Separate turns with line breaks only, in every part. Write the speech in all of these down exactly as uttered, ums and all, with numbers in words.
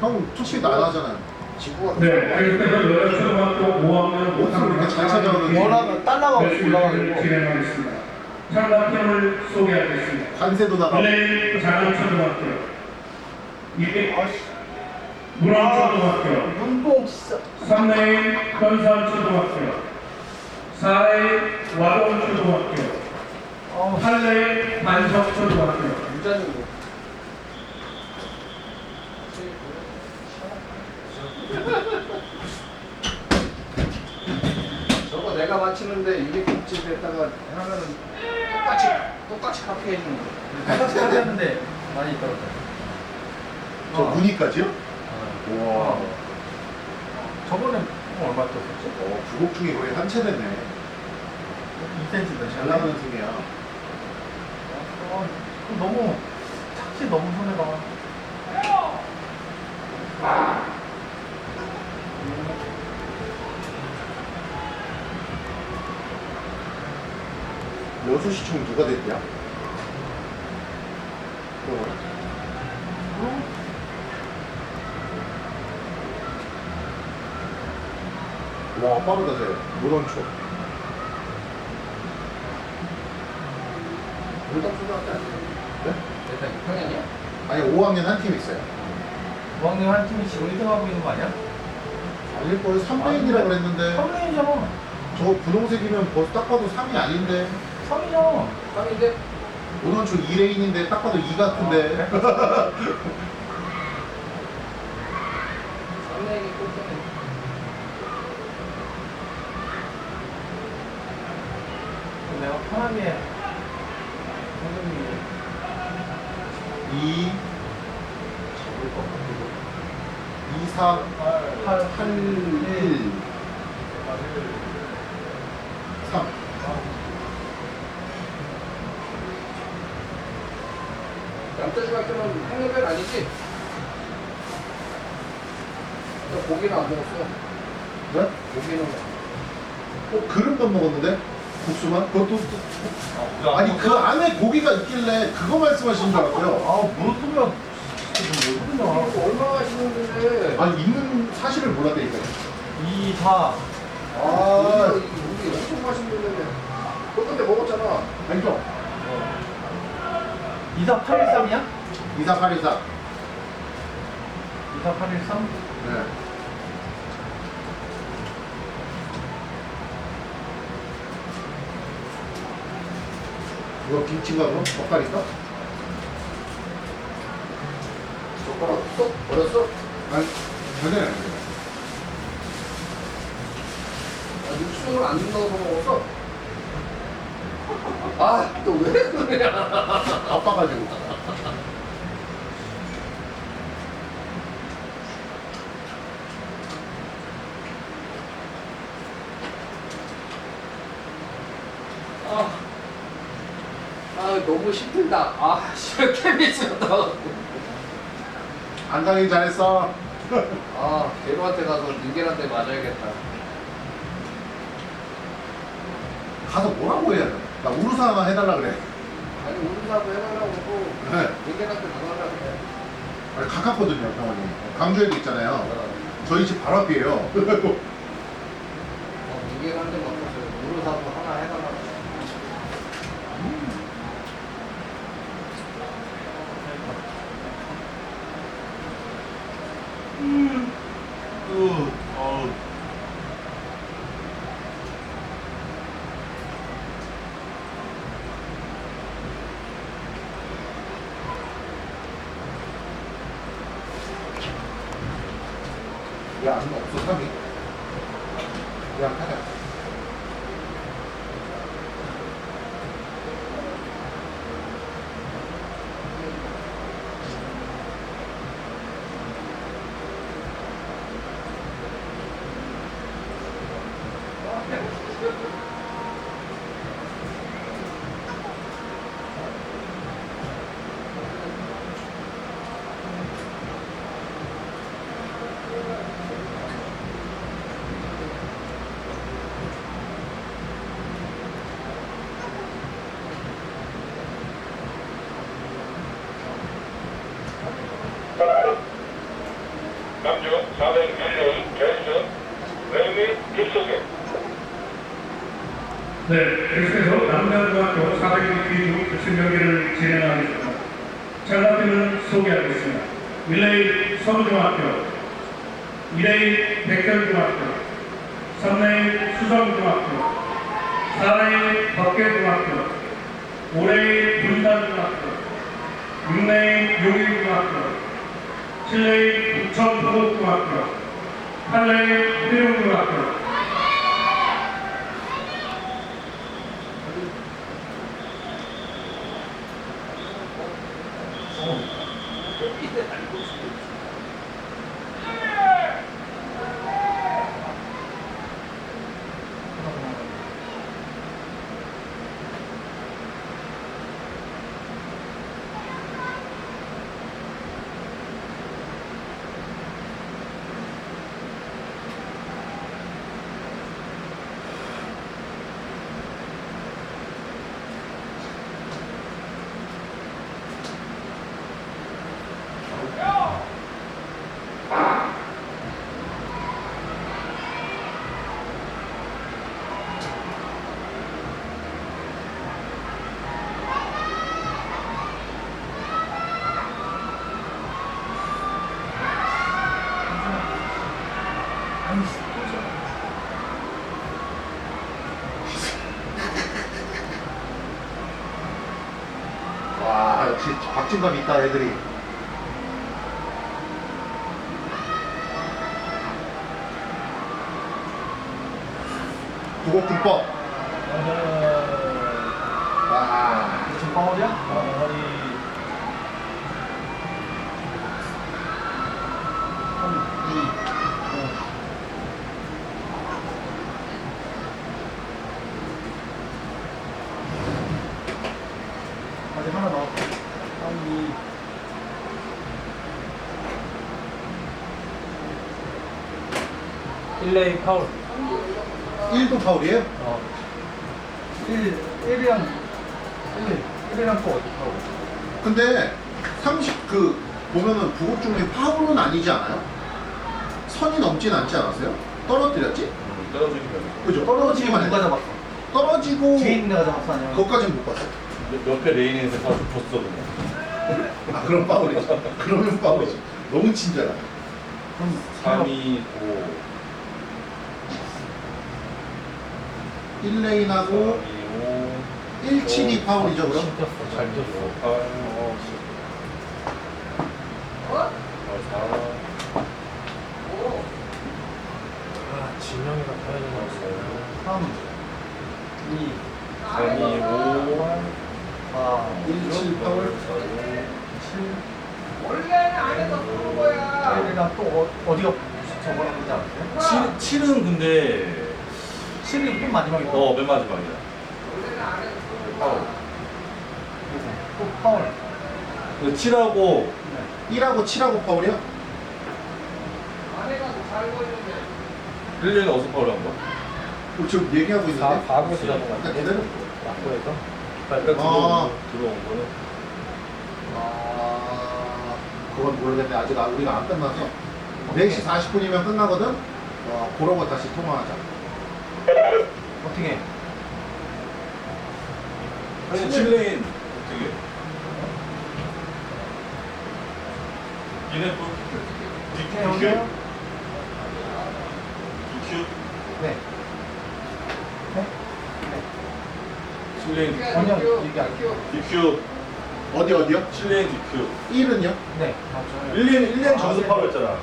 형 초시 나가잖아요.
지구가
네, 알겠습니다. 여자초등학교 오 학년
옷을 이렇게 잘 찾아오는지.
원하면 달러가 올라가는 거.
진행하겠습니다. 참가팀을 소개하겠습니다.
관세도 나가고.
일레인 장암초등학교, 이레인 문암초등학교,
눈뽕 진짜.
삼 레인 현산초등학교, 사 레인 와동초등학교,
어,
팔 레인 반석초등학교.
유자님 저거 내가 맞히는데 유리국집에다가 하면은 똑같이 똑같이 카피 해주는 거.
똑같이 하는데 많이 떨어져.
저 무늬까지요? 우와.
저번에 뭐 얼마 떴었지?
어, 부곡 중에 거의 한 채 됐네.
이 센티미터
잘 나가는 팀이야.
어, 그거 너무 착지 너무 손해가.
여수시청 누가 됐냐? 와, 빠르다, 쟤. 노던초.
물담초등학교 아니에요?
네?
일단 육 학년이야?
아니, 오 학년 한 팀 있어요.
무학년 한 팀이 지금 일 등 하고 있는 거 아니야?
아닐걸? 삼 레인이라 그랬는데.
삼 레인이잖아.
저 분홍색이면 벌써 딱 봐도 삼이 아닌데.
삼이잖아.
삼인데
노던초 이 레인인데 딱 봐도 이 같은데.
아,
삼레인이 꼴등해.
내가 편하게 선생님이
이 잡을 것 같기도. 이, 사,
팔,
팔, 일, 삼.
남자중학교는 학년별 아니지? 너 고기는 안 먹었어.
네?
고기는
어, 그릇만 먹었는데? 국수만? 그것도 또- 아니 그 안에 고기가 있길래 그거 말씀하시는 줄 알았고요.
아, 무릎이면 진짜 모르겠냐.
이거 얼마나 맛있는데.
아니 있는 사실을 몰랐다니까요.
이, 사.
아,
고기가 이게 고기 엄청 맛있는데. 너 근데 먹었잖아.
아니죠?
이, 사, 팔, 일, 삼이야?
이사팔이사.
이, 사, 팔, 일, 삼?
네. 이거 김치인가 그럼? 젓갈인가?
젓가락 쏙 버렸어?
아니, 전혀 안 돼요.
아, 육수를 안 넣어서 먹었어? 아, 또 왜 그래?
바빠가지고.
아, 아 너무 힘들다. 아, 씨발 케미스였다.
안 가긴 잘했어.
아, 대로한테 가서 닌겔한테 맞아야겠다.
가서 뭐라고 해야 돼? 나 우루사 하나 해달라 그래.
아니, 우리사도 해달라고 하고
네.
닌겔한테 맞아달라고 해.
아니, 가깝거든요, 병원이. 강주에도 있잖아요. 저희 집 바로 앞이에요.
어, 닌겔한테 맞아서 우리사도 하나 해달라고 해.
으, 어.
왜안 없어, 삼이? 그냥 하자.
사백 릴레이 결승 웨이미 딥소켓.
네, 계속해서 남자중학교 사백 미터 결승 경기를 진행하겠습니다. 참가팀을 소개하겠습니다. 일 레인 서울중학교, 이 레인 백현중학교, 삼 레인 수성중학교, 사 레인 덕계중학교, 오 레인 분산중학교, 육 레인 용인중학교, 칠 레인 부천도곡중학교, 팔 레인 회룡중학교.
와 역시 박진감 있다 애들이. 구곡등법. 와.
지금 파울이야? 파울이. 아직 하나 더. 삼, 이. 일 레인 파울.
일도 파울이에요?
어. 일, 일이랑, 일, 일이랑 또 어디 파울?
근데 삼십 그 보면은 부곡 중에 파울은 아니지 않아요? 선이 넘진 않지 않았어요? 떨어뜨렸지?
떨어지면
그죠?
떨어지고
떨어지기만
누가
했
잡았어?
떨어지고
뒤에 있는 애가 잡았어, 아니면?
그것까지는 못 봤어.
옆에 레인에서 다 줬어 그냥.
아 그럼 파울이죠. 그러면 파울이죠. 너무 친절하다.
그럼
삼, 이, 오.
일 레인하고
삼, 이, 오.
일, 칠이 파울이죠 그럼?
잘 뛰었어, 잘 뛰었어.
팔, 어, 사.
아, 진영이가 타야 되는 거 삼, 이,
삼, 이, 오.
사,
일, 칠 파울.
칠. 원래는 안에서 쏘는 거야. 일이랑 또 어, 어디가 저거랑 그러지 않았어요?
칠, 칠은 근데
칠이 또 마지막이다.
어, 맨 마지막이야. 파울.
또 파울.
그 칠하고
일하고 칠하고 파울이요?
일 년에 어디서 파울한 거야?
어, 지금 얘기하고 있는데?
사구에서 잡은 거
아,
같아.
기다려.
낙고에서?
그러니까
아.
들어온, 들어온 거는
아, 그건 모르겠네. 아직 아- 우리가 안 끝나서. 네 시 사십 분이면 끝나거든? 어, 그런 거 다시 통화하자.
어떻게?
아니 칠 레인 어떻게? 얘네 뭐
네, 여보세요?
디큐?
네. 네?
칠 레인
전혀 얘기 안 해요.
디큐
어디, 어디요?
칠 레인 디큐
일은요?
네, 맞죠.
일 년 일 년
아,
전수
네.
파울했잖아.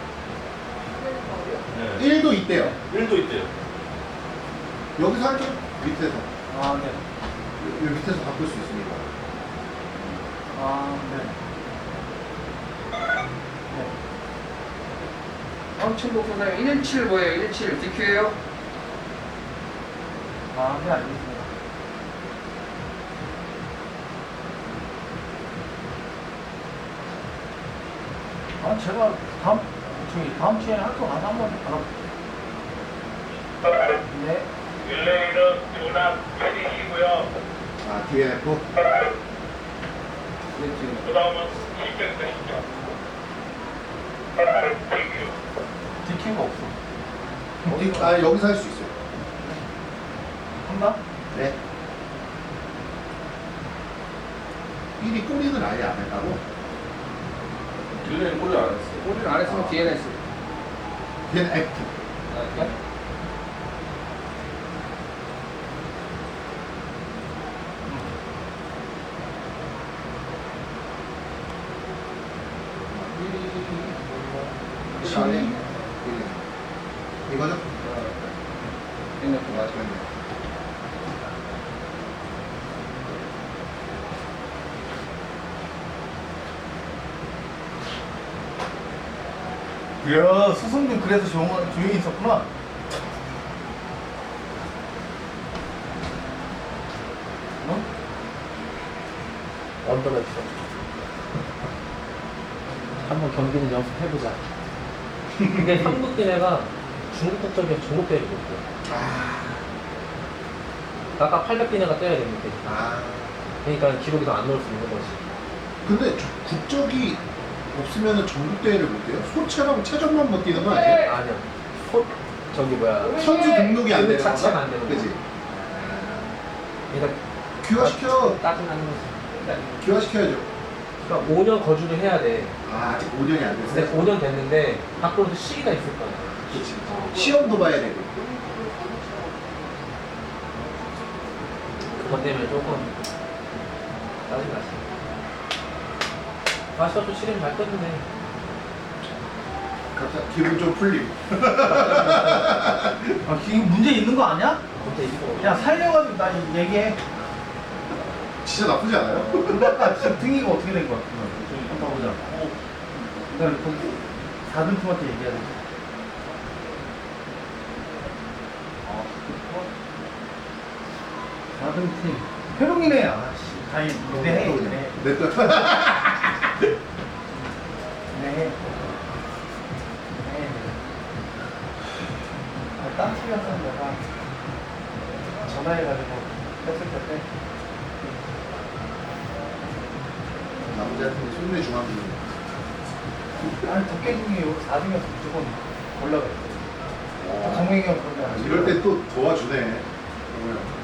네.
일도 있대요.
일도 있대요.
여기서 할게요. 밑에서.
아, 네.
요, 요 밑에서 바꿀 수 있으니까.
아, 네. 네.
다음 칠 놓고 나요. 일 칠 뭐예요? 일 칠 디큐예요?
아, 네, 알겠습니다. 아, 제가 다음, 저기, 다음 주에 학교 가서 한번 알아볼게요. 네.
릴레이는 두납 패딩이고요.
아, 디엔에프?
네, 지금.
그 다음은 실전 것이죠. 디큐.
어디, 아, 여기서 할 수 있어요.
한다?
네. 일이 꼬리는 아예 안 했다고?
딜레이는 꼬리 안 했어.
꼬리를 안 했으면 디엔에스.
걔는 F.
아니,
이거죠?
엔에프 맞아.
이야, 수성준 그래서 조용, 조용히 있었구나. 어?
언더랩션. 한번 경기는 연습해보자. 근데 한국 기내가 중국 국적이 중국 대회를 못 돼. 아까 팔백 기내가 떠야 되는데.
아.
그러니까 기록이 더 안 넣을 수 있는 거지.
근데 저- 국적이 없으면 전국 대회를 못 해요? 소체랑 체전만 못 뛰는 거 아니에요?
아니야. 소, 저기 뭐야.
선수 등록이 안
그
되는
자체가
건가?
안 되는
그지?
거지. 그러니까
귀화시켜.
따진하는 거지.
귀화시켜야죠.
그러니까 오 년 거주를 해야 돼.
아, 아직 오 년이 안
근데
됐어요?
오 년 됐는데 밖으로도 시기가 있을 거야.
그치. 시험도 봐야 되고.
그것 때문에 조금 짜증나지. 아시아도 시름 잘 떴는데.
갑자기 기분 좀 풀림.
아, 이게 문제 있는 거 아니야?
근데 이거
야, 살려가지고 나 이- 얘기해.
진짜 나쁘지 않아요?
근데 아까 지금 등이가 어떻게 된 거야? 한번 보자. 그다음에 거기 사 등 팀한테 얘기해야 돼. 사 등 팀. 회룡이네. 아씨. 다행히 네. 네.
내 뜻.
네. 네. 아, 딴 팀이었던 내가 전화해가지고 했을 때
남자한테 손내 중앙이.
아니 덕계중이 사 등이어서 무조건 올라갔어. 정명이 형 그런 거
아,
아니야?
이럴 때 또 도와주네. 정우영.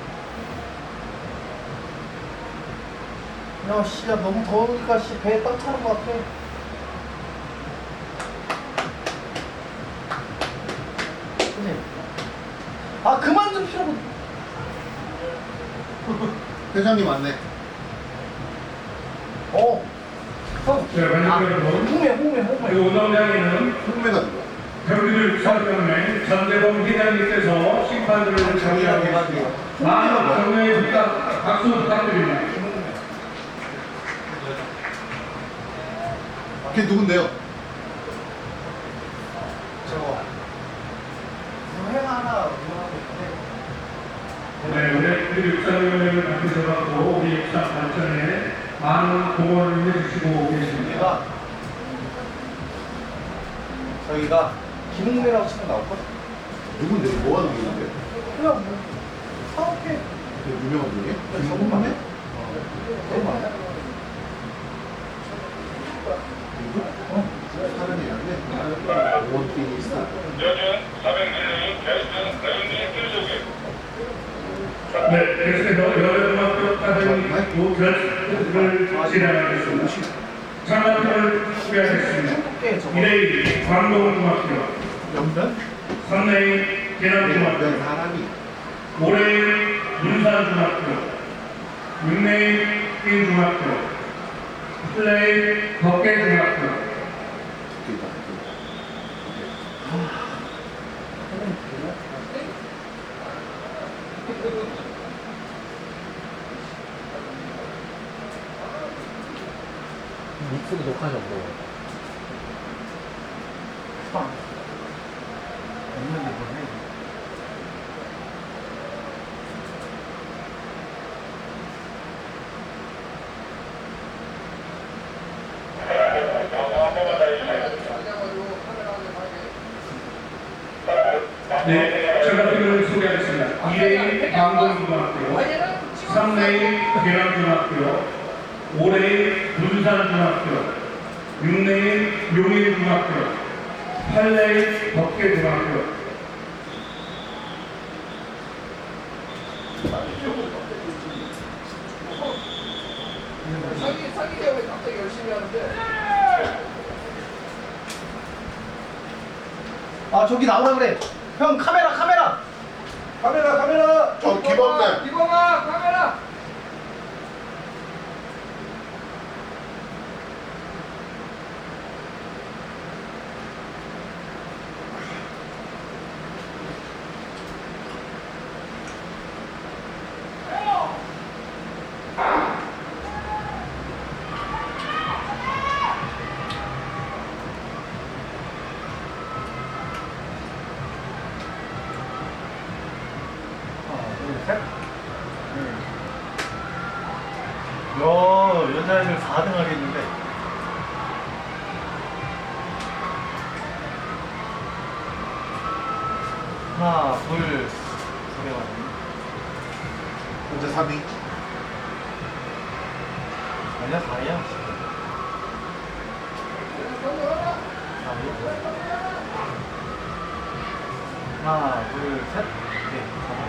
야, 씨, 야, 너무 더우니까, 씨, 배에 땀 차는 것 같아. 그치? 아, 그만 좀 피라고.
회장님 왔네.
어. 형.
자, 관객
아,
여러분.
홍매, 홍매,
이
홍매.
운동장에는
홍매가 누구야?
경기를 수사병에 전대범 회장님께서 심판들을 정리하고 많은 정리의 부탁, 박수 부탁드립니다.
걔 누군데요?
저거. 회 하나 운영하고 있는데.
네, 우리 육사위원회를 만드셔서 우리 육사 발전에 많은 공헌을 해주시고 계십니다.
얘가, 저희가 김홍매라고 치면 나올걸?
누군데? 뭐가 누군데?
그냥 뭐, 사업해.
그 유명한 분이에요?
저분만 해?
김홍매?
너무 많아.
누구? 어? 사람이 아닌데? 원피스.
요즘 사백 릴레이 게스트 레인지 필수기.
네, 그래서 여름학교 사장님 결승을 진행하겠습니다. 장학금을 소개하겠습니다. 일 레인 광동중학교,
연변?
삼 레인 계남중학교,
몇 사람이?
오 레인 문산중학교, 육 레인 인중학교, 칠 레인 덕계중학교,
믹스도 녹화하냐고.
빵. 없는데 뭘 해.
네, 장학금을 소개하겠습니다. 이 레인 광동중학교, 삼 레인 계남중학교, 오 레인 문산중학교, 육 레인 용인중학교, 팔 레인 덕계중학교,
아 저기 나오라 그래. 형 카메라 카메라.
카메라 카메라.
어, 기범님.
기범아 카메라.
하나 둘 셋. 야 여자애들 사 등 하겠는데. 하나 둘 두개 맞네.
혼자 삼 위.
아니야 사야. 하나 둘 셋. 네.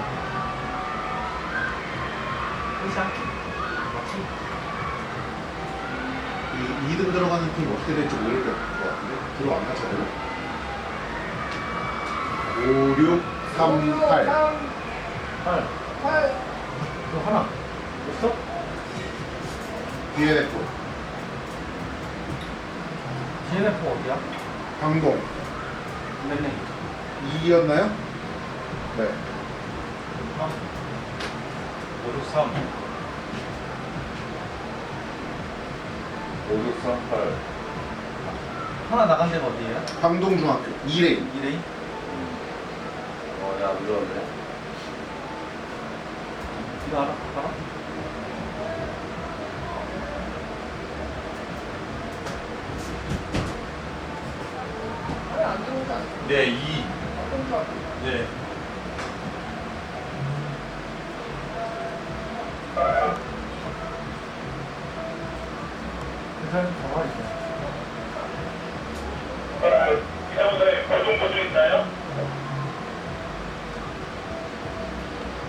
끝이야. 맞지?
이 이 등 들어가는 팀 어떻게 될지 모를 것 같은데 들어왔나 저대로? 오, 육, 삼, 팔.
팔.
팔.
또 하나. 없어?
디엔에프,
디엔에프 어디야?
강동
네네.
이였나요? 네.
오, 육, 삼.
오, 육, 삼, 팔.
하나 나간 데가 어디예요?
강동중학교 이 레인.
이 레인?
어, 야, 눌렀네.
이거 알아? 알아?
안 들어오지 않아?
네, 이. 네. 일단 가만히 있어.
이사무소에 고정 보수 있나요?